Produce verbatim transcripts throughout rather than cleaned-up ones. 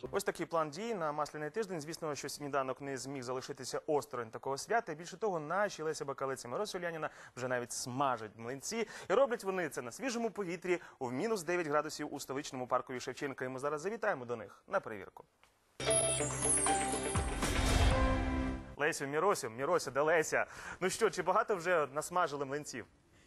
Ось такий план дій на Масляний тиждень. Звісно, що сніданок не зміг залишитися осторонь такого свята. Більше того, наші Леся Бакалець і Мирося Уляніна вже навіть смажать млинці. І роблять вони це на свіжому повітрі у мінус дев'ять градусів у столичному паркові Шевченка. І ми зараз завітаємо до них на перевірку. Лесю, Міросю, Мірося, де Леся? Ну що, чи багато вже насмажили млинців?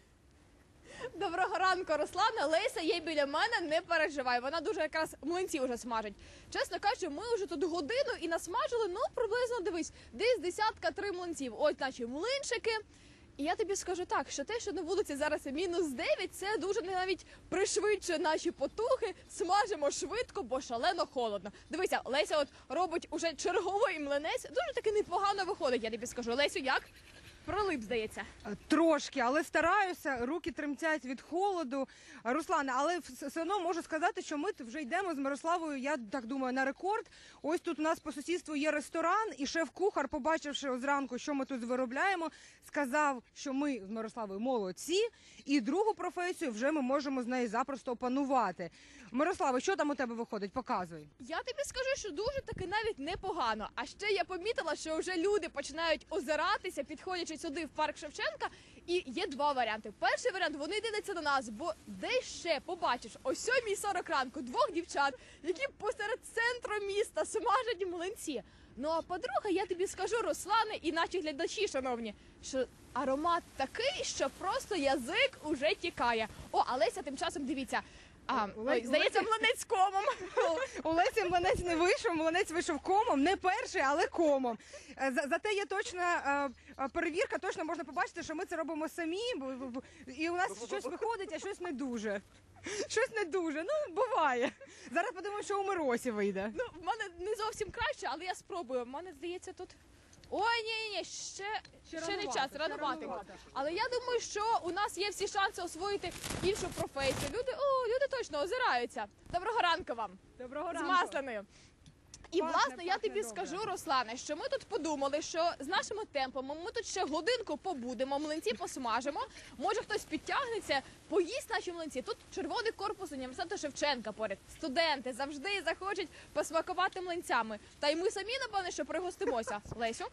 Доброго ранку, Руслана. Леся є біля мене, не переживай. Вона дуже якраз млинці вже смажить. Чесно кажучи, ми вже тут годину і насмажили, ну, приблизно, дивись, десь десятка три млинців. Ось наші млинчики. І я тобі скажу так, що те, що на вулиці зараз мінус дев'ять, це дуже навіть пришвидшує наші потуги. Смажимо швидко, бо шалено холодно. Дивися, Леся от робить уже черговий млинець. Дуже таки непогано виходить, я тобі скажу. Лесю, як? Пролип, здається. Трошки, але стараюся, руки тремтять від холоду. Руслане, але все одно можу сказати, що ми вже йдемо з Мирославою, я так думаю, на рекорд. Ось тут у нас по сусідству є ресторан, і шеф-кухар, побачивши зранку, що ми тут виробляємо, сказав, що ми з Мирославою молодці, і другу професію вже ми можемо з нею запросто опанувати. Мирослава, що там у тебе виходить? Показуй. Я тобі скажу, що дуже таки навіть непогано. А ще я помітила, що вже люди починають озиратися, підходячи сюди в парк Шевченка. І є два варіанти. Перший варіант – вони дивляться на нас, бо де ще побачиш о сьомій сорок ранку двох дівчат, які посеред центру міста смажать млинці. Ну а по-друге, я тобі скажу, Руслане і наші глядачі, шановні, що аромат такий, що просто язик уже тікає. О, а Леся тим часом, дивіться, а, ой, здається, млинець комом. У Лесі млинець не вийшов, млинець вийшов комом, не перший, але комом. За- Зате є точна е, перевірка, точно можна побачити, що ми це робимо самі, бо- бо- бо- і у нас щось виходить, а щось не дуже. Щось не дуже, ну, буває. Зараз подивимося, що у Миросі вийде. Ну, в мене не зовсім краще, але я спробую. В мене, здається, тут... Ой, ні-ні, ще, ще, Ще не рановато, час, ще рануватенько. рановато. Але я думаю, що у нас є всі шанси освоїти іншу професію. Люди, о, люди точно озираються. Доброго ранку вам. Доброго З Масляною. І, Пахне, власне, я пахне тобі добре. скажу, Руслане, що ми тут подумали, що з нашими темпами ми тут ще годинку побудемо, млинці посмажимо. Може, хтось підтягнеться, поїсть наші млинці. Тут червоний корпус університету Шевченка поряд. Студенти завжди захочуть посмакувати млинцями. Та й ми самі, напевне, що пригостимося. Лесю?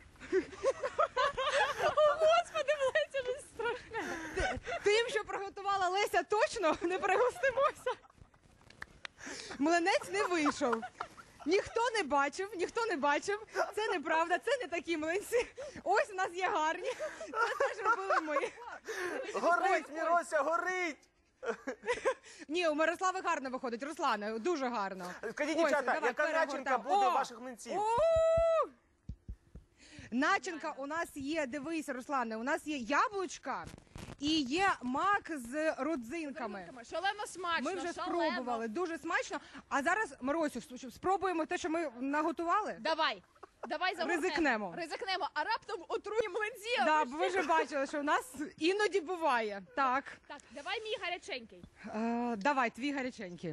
О, Господи, Леся, щось страшне. Тим, що приготувала Леся, точно не пригостимося. Млинець не вийшов. Ніхто не бачив, ніхто не бачив. Це неправда, це не такі млинці. Ось у нас є гарні. Це теж робили ми. Горить, Мірося, горить! Ні, у Мирослави гарно виходить, Руслане, дуже гарно. Скажіть, Ось, дівчата, давай, яка начинка перегортаємо. буде О! ваших млинців? У! Начинка у нас є, дивись, Руслане, у нас є яблучка і є мак з родзинками. Шалено смачно, Ми вже шалено. спробували, дуже смачно. А зараз, Миросю, спробуємо те, що ми наготували? Давай, давай загорнемо. Ризикнемо. Ризикнемо, а раптом отруєм млинці. Да, бо ви вже бачили, що у нас іноді буває. Так, Так, давай мій гаряченький. е, давай, твій гаряченький.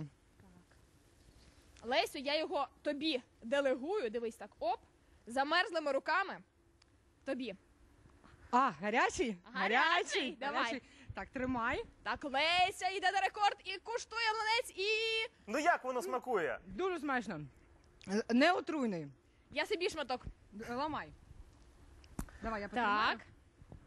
Лесю, я його тобі делегую, дивись так, оп, замерзлими руками, тобі. А, гарячий? Гарячий, давай. Так, тримай. Так, Леся йде на рекорд і куштує млинець, і Ну як воно смакує? Дуже смачно. Е, Не отруйний. я собі шматок. Д- Ламай. Давай, я потримаю. Так.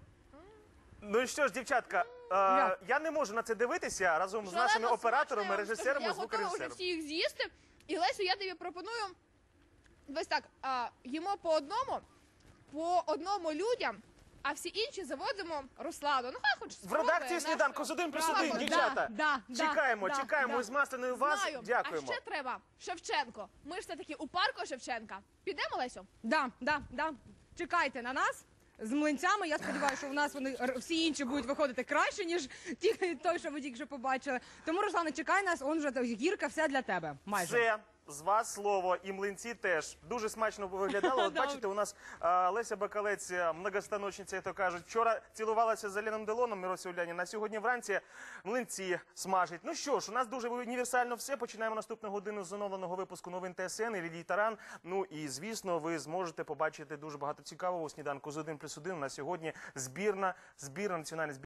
Ну і що ж, дівчатка, е, Як? я не можу на це дивитися разом з Шалено нашими операторами, смачно, я вам режисерами, скажу. Я готова вже звукорежисером. всі їх з'їсти. І, Лесю, я тобі пропоную, ось так, а, їмо по одному, по одному людям, а всі інші заводимо Руслану. Ну, хай хоч В спробує редакції сніданку з нашу один плюс справу. один, Да, дівчата. да, да, Чекаємо, да, чекаємо да. з Масляною вас. Знаю. Дякуємо. А ще треба Шевченко. Ми ж все-таки у парку Шевченка. Підемо, Лесю? Да, да, да. Чекайте на нас з млинцями. Я сподіваюся, що у нас вони р- всі інші будуть виходити краще, ніж ті, той, що ви тільки що побачили. Тому, Руслане, чекай нас, он вже та гірка, все для тебе. Майже. Все, з вас слово, і млинці теж. Дуже смачно виглядало. От бачите, у нас а, Леся Бакалець, а, многостаночниця, як то кажуть. Вчора цілувалася з Аленом Делоном, Мирося Уляніна, а сьогодні вранці млинці смажить. Ну що ж, у нас дуже універсально все. Починаємо наступну годину з оновленого випуску новин ТСН і Лілії Таран. Ну і, звісно, ви зможете побачити дуже багато цікавого у сніданку з один плюс один. На сьогодні збірна, збірна, національна збірна.